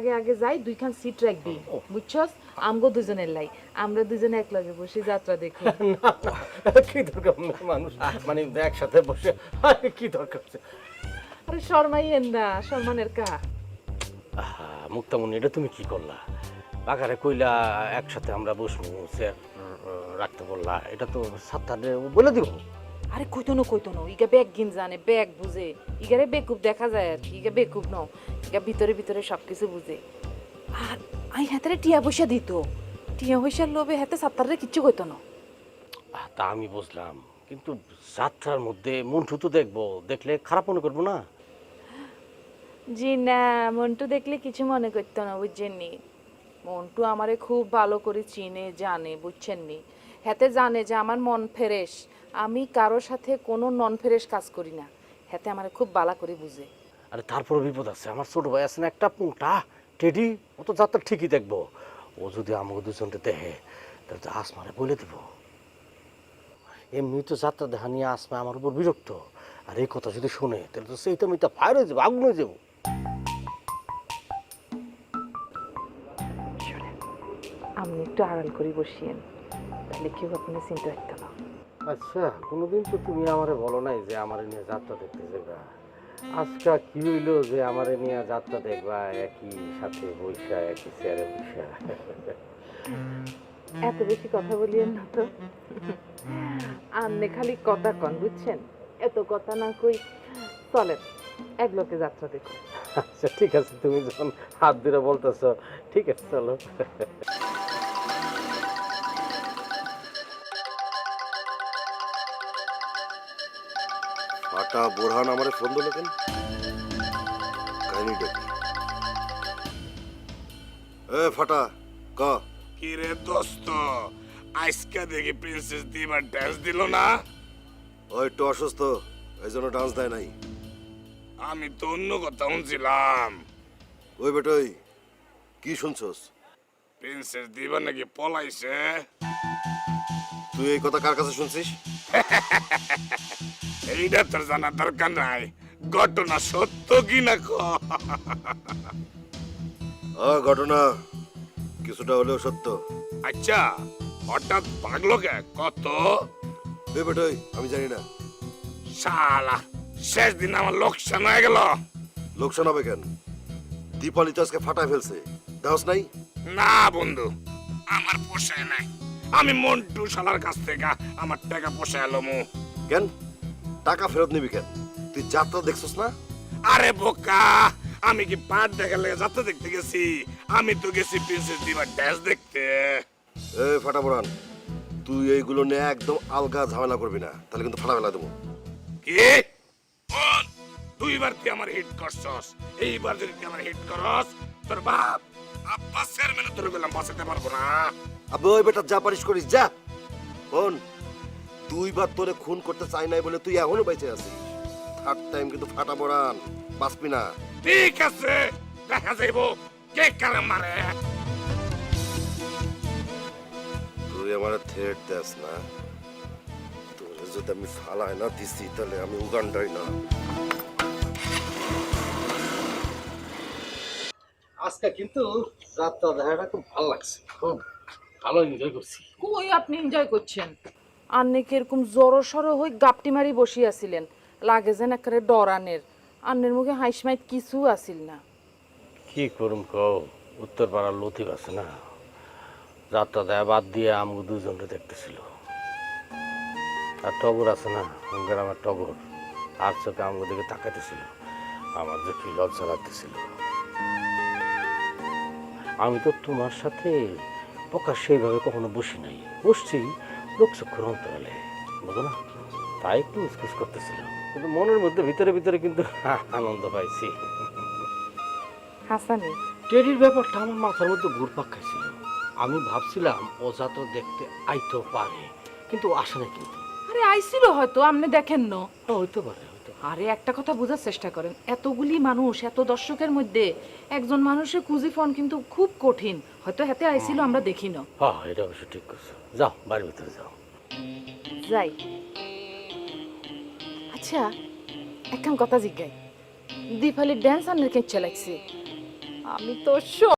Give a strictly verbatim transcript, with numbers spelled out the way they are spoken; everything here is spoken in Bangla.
আগে আগে যাই, দুইখান সিট রাখবি বুঝছস? আমগো দুজনের লাই, আমরা দুজনে এক লগে বসে যাত্রা দেখি। কি দরকার মানুষ মানে একসাথে বসে কি দরকার? আরে শর্মাইয়েন না, সম্মানের কা। মুক্তামণি, এটা তুমি কি করলা? বাগারে কইলা একসাথে আমরা বসবো, স্যার রাখতে বললা, এটা তো সাতটারে বলে দিব। আরে কইতো না কইতো না, ইগা ব্যাগ গিন জানে, ব্যাগ বুঝে, ইগারে বেকুব দেখা যায় আর কি, ইগা বেকুব ন, ইগা ভিতরে ভিতরে সবকিছু বুঝে। আর আই হাতে টিয়া পয়সা দিত, টিয়া পয়সার লোভে হাতে সাত্তারে কিচ্ছু কইতো না। তা আমি বুঝলাম, কিন্তু যাত্রার মধ্যে মন্টু তো দেখবো, দেখলে খারাপ মনে করবো না? জি না, মন্টু দেখলে কিছু মনে করতো না, বুঝছেননি? মন্টু আমারে খুব ভালো করে চিনে জানে, বুঝছেননি? হাতে জানে যে আমার মন ফ্রেশ, আমি কারোর সাথে কোনো নন ফ্রেশ কাজ করি না, হাতে আমারে খুব ভালো করে বুঝে। আরে তারপরে বিপদ আছে, আমার ছোট ভাই আছে না একটা পুংটা টেডি, ও তো যাত্রা ঠিকই দেখবো। ও যদি আমাকে দুজনকে দেখে তাহলে তো আসমারে বলে দিব। এমনি তো যাত্রা দেখা নিয়ে আসমা আমার উপর বিরক্ত, আর এই কথা যদি শুনে তাহলে তো সেইটা মিটা ফায়ার হয়ে যাবো, আগুন হয়ে যাবো। আপনি একটু আড়াল করে বসিয়েন, তাহলে কেউ আপনি চিন্তা রাখতে না। আচ্ছা, কোনোদিন তো তুমি আমারে বলো নাই যে আমারে নিয়ে যাত্রা দেখতে যাবা। আজকা কি হইলো যে আমারে নিয়ে যাত্রা দেখবা একই সাথে বৈশা, একই চেয়ারে বৈশা? এত বেশি কথা বলিয়েন না তো, আপনি খালি কথা কন, বুঝছেন? এত কথা না কই, চলেন এক লোকে যাত্রা দেখুন। আচ্ছা ঠিক আছে, তুমি যখন হাত ধরে বলতেছো, ঠিক আছে চলো। ফাটা বোরহান আমারে ফোন দিল কেন? কাহিনীটা কি? এ ফাটা ক। কি রে দোস্ত, আজকে দেখি প্রিন্সেস দিবার ডান্স দিল না? ও একটু অসুস্থ, এই জন্য ডান্স দেয় নাই। আমি তো অন্য কথা শুনছিলাম, ওই বেটই কি শুনছস? প্রিন্সেস দিবা নাকি পলাইছে। তুই এই কথা কার কাছে শুনছিস? এইটা তোর জানার দরকার নাই, ঘটনা সত্য কি না ক। আ ঘটনা কিছুটা হলেও সত্য। আচ্ছা, হঠাৎ ভাগলো কে কত? এ বেটই আমি জানি না। শালা, শেষ দিন আমার লোকসান হয়ে গেল। লোকসান হবে কেন? দীপালি তো আজকে ফাটায় ফেলছে, দেহস নাই? না বন্ধু, আমার পোষায় নাই। আমি মন্টু শালার কাছ থেকে আমার টাকা পোষায় এলো। কেন টাকা ফেরত নিবি কেন? তুই যাত্রা দেখছস না? আরে বোকা, আমি কি পাট দেখার লেগে যাত্রা দেখতে গেছি? আমি তো গেছি প্রিন্সেস দিবার ড্যান্স দেখতে। এ ফাটা বোরহান, তুই এইগুলো নিয়ে একদম আলগা ঝামেলা করবি না, তাহলে কিন্তু ফাটা ফেলা দেবো। কি বল, দুইবার তুই আমার হিট করছস, এইবার যদি তুই আমার হিট করস, তোর বাপ আব্বাস চেয়ারম্যান তোর গেলাম বাঁচাতে পারবো না। আবে ওই বেটা যা পারিস করিস যা। বোন, দুইবার তোরে খুন করতে চাই নাই বলে তুই এখনো বেঁচে আছিস। থার্ড টাইম কিন্তু ফাটা বোরহান, বাঁচবি না। ঠিক আছে, দেখা যাইব কে কারে মারে। তুই আমার থ্রেট দেস না, তোরে যদি আমি ফালাই না দিছি তাহলে আমি উগান্ডাই না। আজকে কিন্তু যাত্রা দেখাটা খুব ভালো লাগছে, খুব ভালো এনজয় করছি। কই আপনি এনজয় করছেন? আন্নে কি এরকম জড়ো সড়ো হয়ে গাপটি মারি বসিয়াছিলেন, লাগে যেন একেবারে ডরানের। আন্নের মুখে হাইস মাইট কিছু আসিল না। কি করুম কও, উত্তর পাড়ার লতিফ আছে না, যাত্রা দেয়া বাদ দিয়ে আমাকে দুজনকে দেখতেছিল। আর টগর আছে না, গ্রামের টগর, আর চোখে আমাকে দিকে তাকাইতেছিল। আমার যে কি লজ্জা লাগতেছিল। আমি তো তোমার সাথে প্রকাশ সেইভাবে কখনো বসি নাই, বসছি লোকচক্ষুর অন্তরালে, বুঝো না, তাই একটু উসকুস করতেছিল, কিন্তু মনের মধ্যে ভিতরে ভিতরে কিন্তু আনন্দ পাইছি। হাসানি, টেরির ব্যাপারটা আমার মাথার মধ্যে ঘুরপাক খাইছিল। আমি ভাবছিলাম ও যাত্রা দেখতে আইতেও পারে, কিন্তু ও আসে না। কিন্তু আরে আইছিল হয়তো, আপনি দেখেন না। হ্যাঁ, হইতে পারে, হইতে পারে। আরে একটা কথা বোঝার চেষ্টা করেন, এতগুলি মানুষ, এত দর্শকের মধ্যে একজন মানুষের খুঁজি ফোন কিন্তু খুব কঠিন। হয়তো হাতে আইছিল, আমরা দেখি না। হ্যাঁ, এটা অবশ্য ঠিক করছো। যাও বাড়ির ভিতরে যাও। যাই। আচ্ছা, একখান কথা জিজ্ঞাই, দীপালির ড্যান্স আনের কেচ্ছা লাগছে? আমি তো সব